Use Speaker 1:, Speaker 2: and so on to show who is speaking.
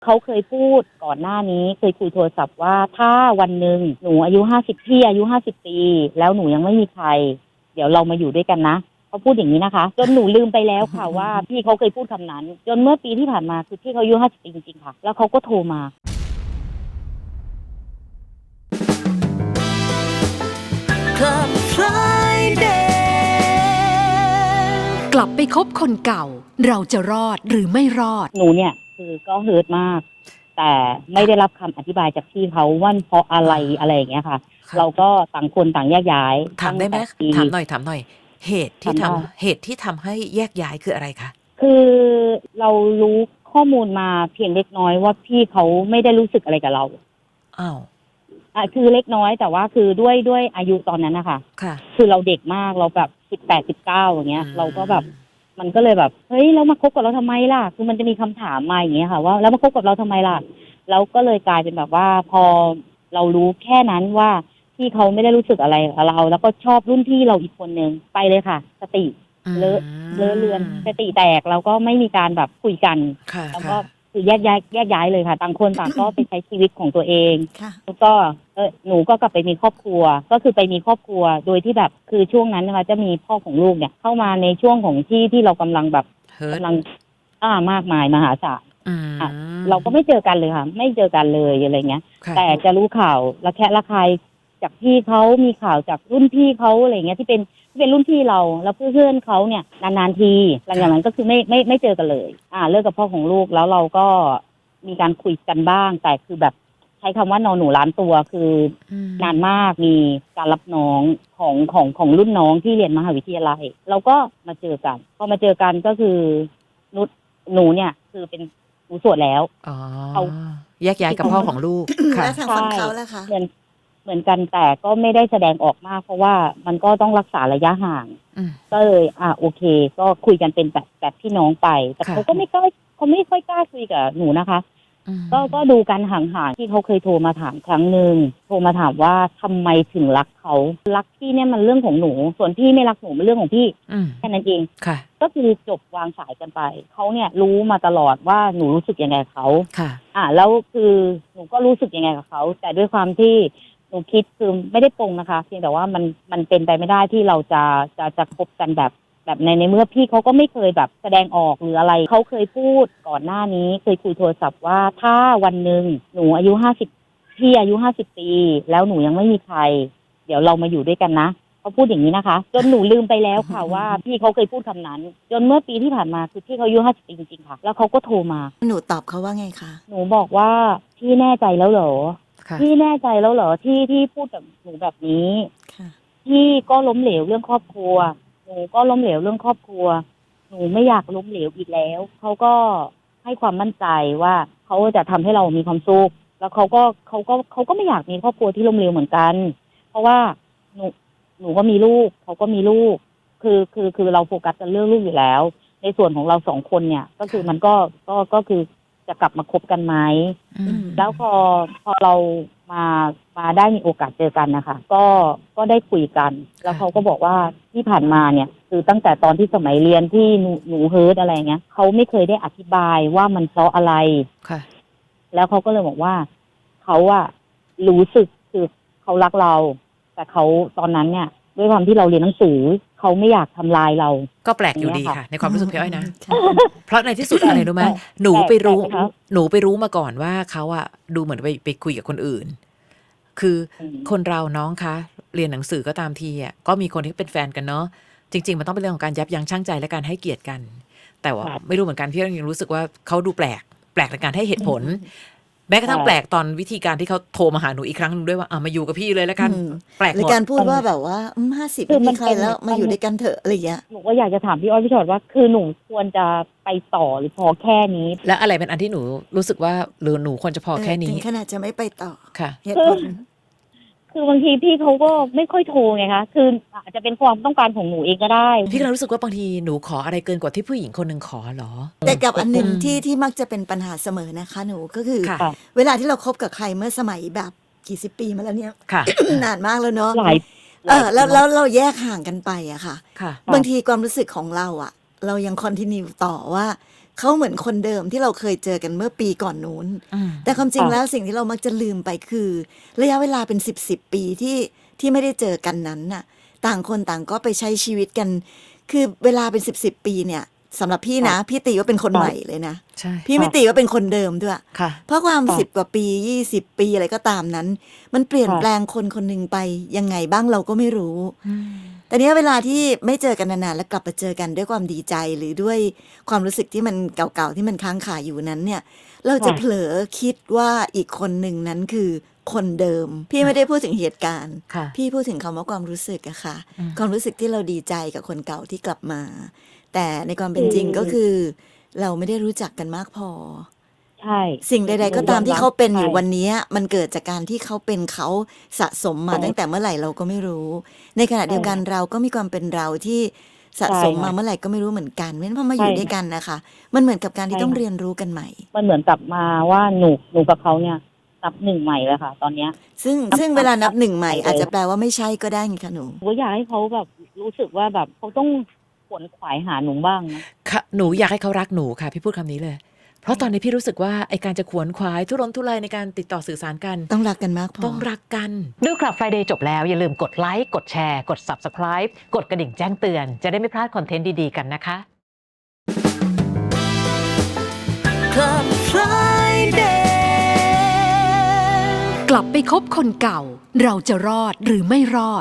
Speaker 1: เขาเคยพูดก่อนหน้านี้เคยคุยโทรศัพท์ว่าถ้าวันหนึ่งหนูอายุ50พี่อายุ50ปีแล้วหนูยังไม่มีใครเดี๋ยวเรามาอยู่ด้วยกันนะเขาพูดอย่างนี้นะคะจนหนูลืมไปแล้วค่ะว่าพี่เขาเคยพูดคำนั้นจนเมื่อปีที่ผ่านมาคือพี่เขาอายุ50ปีจริงๆค่ะแล้วเขาก็โทรมา
Speaker 2: Club Friday
Speaker 3: กลับไปคบคนเก่าเราจะรอดหรือไม่รอด
Speaker 1: หนูเนี่ยคือก็เฮิร์ตมากแต่ไม่ได้รับคำอธิบายจากพี่เขาว่าเพราะอะไรอย่างเงี้ยค่ะเราก็ต่างคนต่างแยกย้าย
Speaker 2: ถามได้ไหมถามหน่อยเหตุที่ทำให้แยกย้ายคืออะไรคะ
Speaker 1: คือเรารู้ข้อมูลมาเพียงเล็กน้อยว่าพี่เขาไม่ได้รู้สึกอะไรกับเรา
Speaker 2: อ้าว
Speaker 1: คือเล็กน้อยแต่ว่าคือด้วยอายุตอนนั้นนะคะ
Speaker 2: ค่ะ
Speaker 1: คือเราเด็กมากเราแบบ18-19อย่างเงี้ยเราก็แบบมันก็เลยแบบเฮ้ยแล้วมาคบกับเราทำไมล่ะคือมันจะมีคำถามมาอย่างเงี้ยค่ะว่าแล้วมาคบกับเราทำไมล่ะแล้วก็เลยกลายเป็นแบบว่าพอเรารู้แค่นั้นว่าพี่เขาไม่ได้รู้สึกอะไรกับเราแล้วก็ชอบรุ่นพี่เราอีกคนนึงไปเลยค่ะสติเลอะเลือนสติแตกแล้วก็ไม่มีการแบบคุยกันแล้วก็คือแยกย้ายเลยค่ะต่างคนต่างก็ไปใช้ชีวิตของตัวเองแล้วก็หนูก็กลับไปมีครอบครัวก็คือไปมีครอบครัวโดยที่แบบคือช่วงนั้นนะคะจะมีพ่อของลูกเนี่ยเข้ามาในช่วงของที่เรากำลังแบบกำลังมากมายมหาศาลเราก็ไม่เจอกันเลยค่ะไม่เจอกันเลยอะไรเงี้ยแต่จะรู้ข่าวระแคะระคายจากพี่เขามีข่าวจากรุ่นพี่เขาอะไรเงี้ยที่เป็นรุ่นพี่เราแล้วเพื่อนเขาเนี่ยนานๆทีหลังจากนั้นก็คือไม่เจอกันเลยเลิกกับพ่อของลูกแล้วเราก็มีการคุยกันบ้างแต่คือแบบใช้คำว่านอนหนูล้านตัวคือนานมากมีการรับน้องของรุ่นน้องที่เรียนมหาวิทยาลัยเราก็มาเจอกันพอมาเจอกันก็คือหนูเนี่ยคือเป็นหนูโสดแล้ว
Speaker 2: เขาแยกย้ายกับพ่อของลูกค่ะ
Speaker 4: แล้วทางฝั่งเขาล่ะคะ
Speaker 1: เหมือนกันแต่ก็ไม่ได้แสดงออกมากเพราะว่ามันก็ต้องรักษาระยะห่างก็เลยโอเคก็คุยกันเป็นแบบพี่น้องไปแต่เขาไม่ค่อยกล้าคุยกับหนูนะคะก็ดูกันห่างๆที่เขาเคยโทรมาถามครั้งหนึ่งโทรมาถามว่าทำไมถึงรักเขารักพี่เนี่ยมันเรื่องของหนูส่วนพี่ไม่รักหนูมันเรื่องของพี่แค่นั้นเองก็คือจบวางสายกันไปเขาเนี่ยรู้มาตลอดว่าหนูรู้สึกยังไงกับเขาแล้วคือหนูก็รู้สึกยังไงกับเขาแต่ด้วยความที่หนูคิดคือไม่ได้ปรงนะคะเพียงแต่ว่ามันเป็นไปไม่ได้ที่เราจะคบกันแบบในเมื่อพี่เขาก็ไม่เคยแบบแสดงออกหรืออะไรเขาเคยพูดก่อนหน้านี้เคยคุยโทรศัพท์ว่าถ้าวันหนึ่งหนูอายุ50พี่อายุ50ปีแล้วหนูยังไม่มีใครเดี๋ยวเรามาอยู่ด้วยกันนะเขาพูดอย่างนี้นะคะจนหนูลืมไปแล้วค่ะว่าพี่เขาเคยพูดคำนั้นจนเมื่อปีที่ผ่านมาคือพี่เขาอายุ50ปีจริงๆค่ะแล้วเขาก็โทรมา
Speaker 4: หนูตอบเขาว่าไงคะ
Speaker 1: หนูบอกว่าพี่แน่ใจแล้วเหรอพี่แน่ใจแล้วเหรอที่พูดกับหนูแบบนี้พี่ก็ล้มเหลวเรื่องครอบครัวหนูก็ล้มเหลวเรื่องครอบครัวหนูไม่อยากล้มเหลวอีกแล้วเขาก็ให้ความมั่นใจว่าเขาจะทำให้เรามีความสุขแล้วเขาก็ไม่อยากมีครอบครัวที่ล้มเหลวเหมือนกันเพราะว่าหนูก็มีลูกเขาก็มีลูกคือเราโฟกัสกันเรื่องลูกอยู่แล้วในส่วนของเรา2คนเนี่ยก็คือมันก็คือจะกลับมาคบกันไหมแล้วพอเรามาได้มีโอกาสเจอกันนะคะก็ได้คุยกันแล้วเขาก็บอกว่าที่ผ่านมาเนี่ยคือตั้งแต่ตอนที่สมัยเรียนที่หนูเฮิร์ตอะไรเงี้ยเขาไม่เคยได้อธิบายว่ามันเพราะอะไรแล้วเขาก็เลยบอกว่าเขารู้สึกคือเขารักเราแต่เขาตอนนั้นเนี่ยด้วยความที่เราเรียนหนังสือเขาไม่อยากทำลายเรา
Speaker 2: ก็แปลกอยู่ดีค่ะในความรู้สึกพี่อ้อยนะเพราะในที่สุดอะไรรู้ไหมหนูไปรู้มาก่อนว่าเขาดูเหมือนไปคุยกับคนอื่นคือคนเราน้องคะเรียนหนังสือก็ตามทีก็มีคนที่เป็นแฟนกันเนาะจริงๆมันต้องเป็นเรื่องของการยับยั้งชั่งใจและการให้เกียรติกันแต่ว่าไม่รู้เหมือนกันพี่ยังรู้สึกว่าเขาดูแปลกในการให้เหตุผลแม้กระทั่งแปลกตอนวิธีการที่เขาโทรมาหาหนูอีกครั้งนึงด้วยว่ามาอยู่กับพี่เลยแล้วกันแปลกหมด
Speaker 4: ในการพูดว่าแบบว่า50ไม่มีใครแล้วมาอยู่ด้วยกันเถอะอะไรอย่างเงี้ย
Speaker 1: หนูก็อยากจะถามพี่อ้อยพี่ชอดว่าคือหนูควรจะไปต่อหรือพอแค่นี้
Speaker 2: และอะไรเป็นอันที่หนูรู้สึกว่าหรือหนูควรจะพอแค่นี้
Speaker 4: ถึงขนาดจะไม่ไปต่อ
Speaker 2: ค่ะ
Speaker 4: เหตุผล
Speaker 1: คือบางทีพี่เขาก็ไม่ค่อยโทรไงคะคืออาจจะเป็นความต้องการของหนูเองก็ได้
Speaker 2: พี่ก็รู้สึกว่าบางทีหนูขออะไรเกินกว่าที่ผู้หญิงคนหนึ่งขอหรอ
Speaker 4: แต่กับอันหนึ่งที่มักจะเป็นปัญหาเสมอนะคะหนูก็คือเวลาที่เราคบกับใครเมื่อสมัยแบบกี่สิบปีมาแล้วเนี่ยนานมากแล้วเนาะแล้วเราแยกห่างกันไปอะค่ะบางทีความรู้สึกของเราเรายังคอนทินิวต่อว่าเขาเหมือนคนเดิมที่เราเคยเจอกันเมื่อปีก่อนนู้นแต่ความจริงแล้วสิ่งที่เรามักจะลืมไปคือระยะเวลาเป็น10ปีที่ไม่ได้เจอกันนั้นน่ะต่างคนต่างก็ไปใช้ชีวิตกันคือเวลาเป็น10ปีเนี่ยสำหรับพี่นะพี่ตีว่าเป็นคนใหม่เลยนะพี่ไม่ตีว่าเป็นคนเดิมด้วยเพราะความ10 กว่าปี20 ปีอะไรก็ตามนั้นมันเปลี่ยนแปลงคนคนหนึ่งไปยังไงบ้างเราก็ไม่รู้แต่เนี้ยเวลาที่ไม่เจอกันนานๆแล้วกลับมาเจอกันด้วยความดีใจหรือด้วยความรู้สึกที่มันเก่าๆที่มันค้างคาอยู่นั้นเนี่ยเราจะเผลอคิดว่าอีกคนหนึ่งนั้นคือคนเดิมพี่ไม่ได้พูดถึงเหตุการณ์พี่พูดถึงคำว่าความรู้สึกอะค่ะความรู้สึกที่เราดีใจกับคนเก่าที่กลับมาแต่ในความเป็นจริงก็คือเราไม่ได้รู้จักกันมากพอ
Speaker 1: ใช่
Speaker 4: สิ่งใดๆก็ตามที่เขาเป็นอยู่วันนี้มันเกิดจากการที่เขาเป็นเขาสะสมมาตั้งแต่เมื่อไหร่เราก็ไม่รู้ในขณะเดียวกันเราก็มีความเป็นเราที่สะสมมาเมื่อไหร่ก็ไม่รู้เหมือนกันเพราะฉะนั้นพอมาอยู่ด้วยกันนะคะมันเหมือนกับการที่ต้องเรียนรู้กันใหม่
Speaker 1: มันเหมือนกลับมาว่าหนูกับเขาเนี่ยนับหนึ่งใหม่เลยค่ะตอนเนี้ย
Speaker 4: ซึ่งเวลานับหนึ่งใหม่อาจจะแปลว่าไม่ใช่ก็ได้ไงคะหนู
Speaker 1: ก็อยากให้เขาแบบรู้สึกว่าแบบเขาต้องขวนขวายหาหนูบ้างนะ
Speaker 2: ค่ะหนูอยากให้เขารักหนูค่ะพี่พูดคำนี้เลยเพราะตอนนี้พี่รู้สึกว่าไอการจะขวนขวายทุรนทุรายในการติดต่อสื่อสารกัน
Speaker 4: ต้องรักกันมากพอ
Speaker 2: ต้องรักกันดูคลับ Friday จบแล้วอย่าลืมกดไลค์กดแชร์กด Subscribe กดกระดิ่งแจ้งเตือนจะได้ไม่พลาดคอนเทนต์ดีๆกันนะคะ
Speaker 3: Club Friday กลับไปคบคนเก่าเราจะรอดหรือไม่รอด